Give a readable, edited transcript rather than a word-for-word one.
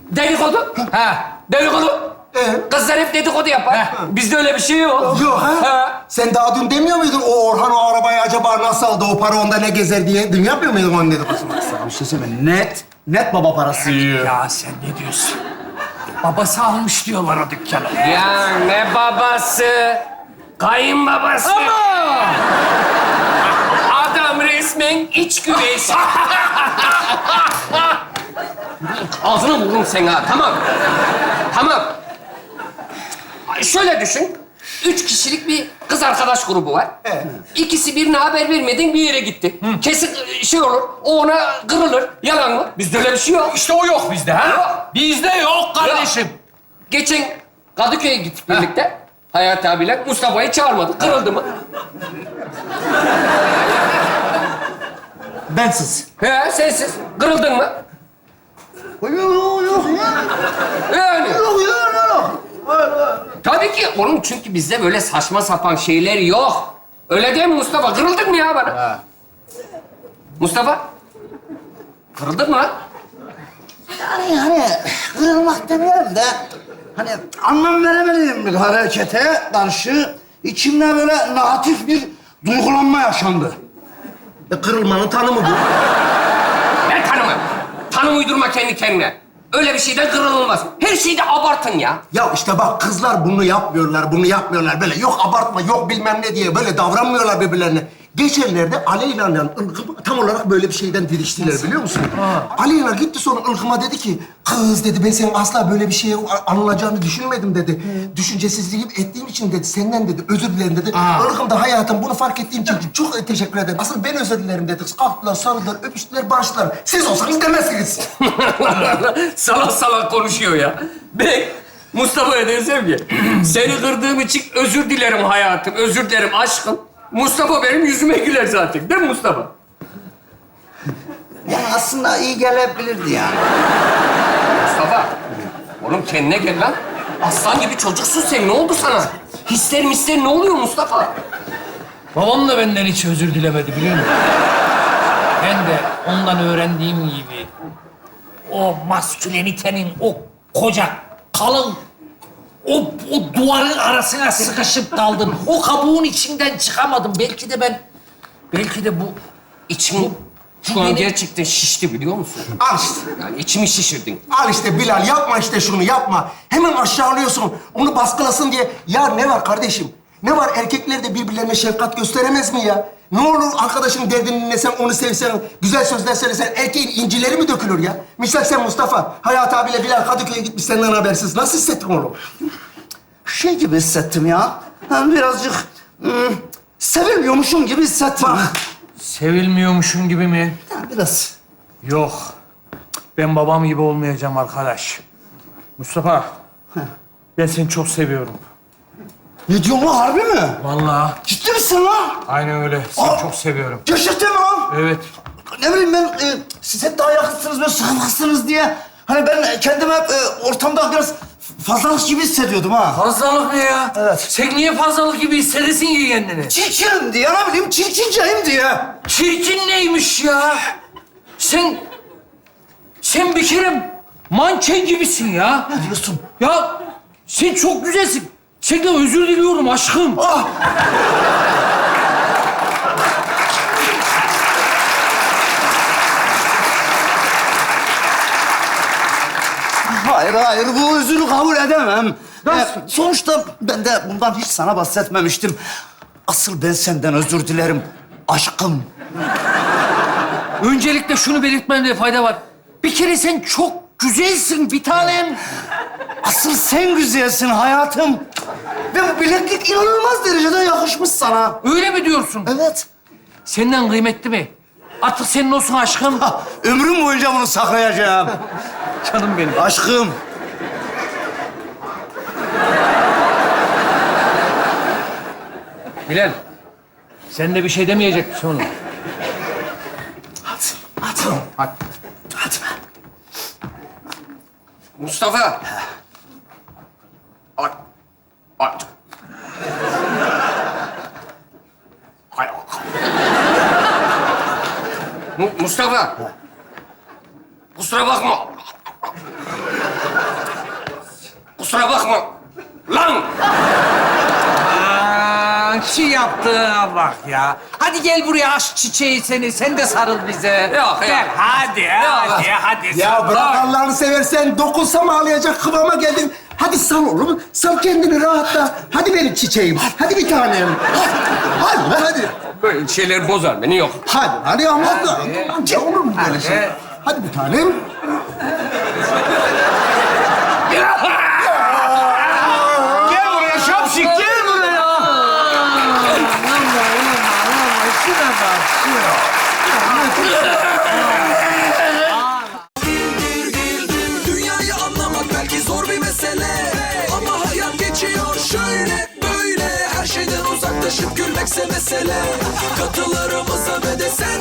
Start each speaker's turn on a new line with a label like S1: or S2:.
S1: Dedikodu. Ha, dedikodu. Kızlar hep dedikodu yapar. Bizde öyle bir şey yok.
S2: Yok ha? Sen daha dün demiyor muydun o Orhan o arabayı acaba nasıl aldı, o para onda ne gezer diye? Dün yapmıyor muydun onun dedikodusunu?
S3: Bir şey söyleyeyim. Net baba parası yiyor.
S4: Ya sen ne diyorsun? Babası almış diyorlar o dükkanı.
S1: Ya ne babası? Kayınbabası.
S4: Ama!
S1: Adam resmen iç güveysi. Ağzına vururum seni ha, tamam. Tamam. Şöyle düşün. 3 kişilik bir kız arkadaş grubu var. İkisi birine haber vermeden bir yere gitti. Kesin şey olur, o ona kırılır. Yalan mı? Bizde öyle bir şey yok.
S4: İşte o yok bizde ha.
S1: Yok.
S4: Bizde yok kardeşim.
S1: Geçen Kadıköy'e gittik birlikte. Hayati abiyle Mustafa'yı çağırmadık. Kırıldı mı?
S3: Bensiz.
S1: He, sensiz. Kırıldın mı?
S3: Yok ya.
S1: Yani.
S3: Yok.
S1: Tabii ki. Oğlum çünkü bizde böyle saçma sapan şeyler yok. Öyle değil mi Mustafa? Kırıldın mı ya bana? Mustafa? Kırıldın mı lan?
S3: Yani kırılmak demeyelim de hani anlam veremediğim bir harekete karşı içimde böyle negatif bir duygulanma yaşandı.
S2: Kırılmanın tanımı bu.
S1: Ne tanımı? Tanım uydurma kendi kendine. Öyle bir şeyden kırılmaz. Her şeyde abartın ya.
S2: Ya işte bak kızlar bunu yapmıyorlar böyle. Yok abartma, yok bilmem ne diye böyle davranmıyorlar birbirlerine. Geçenlerde Aleyna'yla Ilgım tam olarak böyle bir şeyden diriştiler biliyor musun? Aleyna gitti sonra Ilgım'a dedi ki, kız dedi ben senin asla böyle bir şeye anılacağını düşünmedim dedi. Düşüncesizliğim ettiğim için dedi, senden dedi, özür dilerim dedi. Ilgım da hayatım bunu fark ettiğim için çok teşekkür ederim. Asıl ben özür dilerim dedi. Kalktılar, sarıldılar, öpüştüler, barıştılar. Siz olsanız demezsiniz.
S1: Salak salak konuşuyor ya. Ben Mustafa'ya desem ki, seni kırdığım için özür dilerim hayatım, özür dilerim aşkım. Mustafa benim yüzüme güler zaten. Değil mi Mustafa?
S3: Yani aslında iyi gelebilirdi yani.
S1: Mustafa, oğlum kendine gel lan. Aslan gibi çocuksun sen. Ne oldu sana? Hisler misler ne oluyor Mustafa?
S4: Babam da benden hiç özür dilemedi biliyor musun? Ben de ondan öğrendiğim gibi o maskülenitenin o koca, kalın, o duvarın arasına sıkışıp kaldım. O kabuğun içinden çıkamadım. Belki de bu
S1: İçim şu an gerçekten şişti biliyor musun?
S2: Al işte.
S1: Yani içimi şişirdin.
S2: Al işte Bilal, yapma işte şunu, yapma. Hemen aşağılıyorsun, onu baskılasın diye. Ya ne var kardeşim? Ne var? Erkekler de birbirlerine şefkat gösteremez mi ya? Ne olur arkadaşın derdini dinlesen, onu sevsen, güzel sözler söylesen, erkeğin incileri mi dökülür ya? Misal sen Mustafa, Hayat abiyle Bilal Kadıköy'e gitmiş senden habersiz. Nasıl hissettin oğlum?
S3: Şey gibi hissettim ya. Ben birazcık sevilmiyormuşum gibi hissettim.
S4: sevilmiyormuşum gibi mi?
S3: Ya biraz.
S4: Yok. Ben babam gibi olmayacağım arkadaş. Mustafa, ben seni çok seviyorum.
S3: Ne diyorsun lan, harbi mi?
S4: Vallahi.
S3: Ciddi misin lan?
S4: Aynen öyle. Seni
S3: Aa!
S4: çok seviyorum.
S3: Gerçekten mi lan?
S4: Evet.
S3: Ne bileyim ben, siz hep daha yakınsınız, böyle sıkılmazsınız diye. Hani ben kendimi hep ortamda biraz fazlalık gibi hissediyordum ha.
S4: Fazlalık ne ya?
S3: Evet.
S4: Sen niye fazlalık gibi hissedesin ki kendini?
S3: Çirkinim diye, ne bileyim, çirkinceyim diye.
S4: Çirkin neymiş ya? Sen bir kere manken gibisin ya.
S3: Ne diyorsun?
S4: Ya sen çok güzelsin. Senden özür diliyorum aşkım.
S3: Ah! Hayır, bu özürü kabul edemem. Sonuçta ben de bundan hiç sana bahsetmemiştim. Asıl ben senden özür dilerim, aşkım.
S4: Öncelikle şunu belirtmemde fayda var. Bir kere sen çok güzelsin bir tanem.
S3: Asıl sen güzelsin hayatım. Ve bu bileklik inanılmaz derecede yakışmış sana.
S4: Öyle mi diyorsun?
S3: Evet.
S4: Senden kıymetli mi? Artık senin olsun aşkım.
S3: Ömrüm boyunca bunu saklayacağım.
S4: Canım benim.
S3: Aşkım.
S4: Bilal, sen de bir şey demeyecek misin oğlum?
S3: Hadi.
S1: Mustafa. Ay. Ay. Ay. Mustafa. Kusura bakma. Kusura bakma. Lan!
S5: Şu yaptığına bak ya. Hadi gel buraya aşk çiçeği seni. Sen de sarıl bize.
S1: Yok,
S5: Gel,
S1: yok.
S5: hadi.
S2: Ya
S5: sarıl.
S2: bırak Allah'ını seversen dokunsam ağlayacak kıvama geldin. Hadi sal oğlum. Sal kendini rahatla. Hadi benim çiçeğim. Hadi bir tanem. Hadi lan hadi.
S1: Böyle şeyler bozar beni, yok.
S2: Hadi ama amca olur mu böyle şey? Hadi bir tanem.
S3: Gel buraya şapşik, gel buraya.
S6: Dünyayı anlamak belki zor bir mesele, ama hayat geçiyor şöyle böyle. Her şeyden uzaklaşıp gülmekse mesele. Katılarımıza ve de sen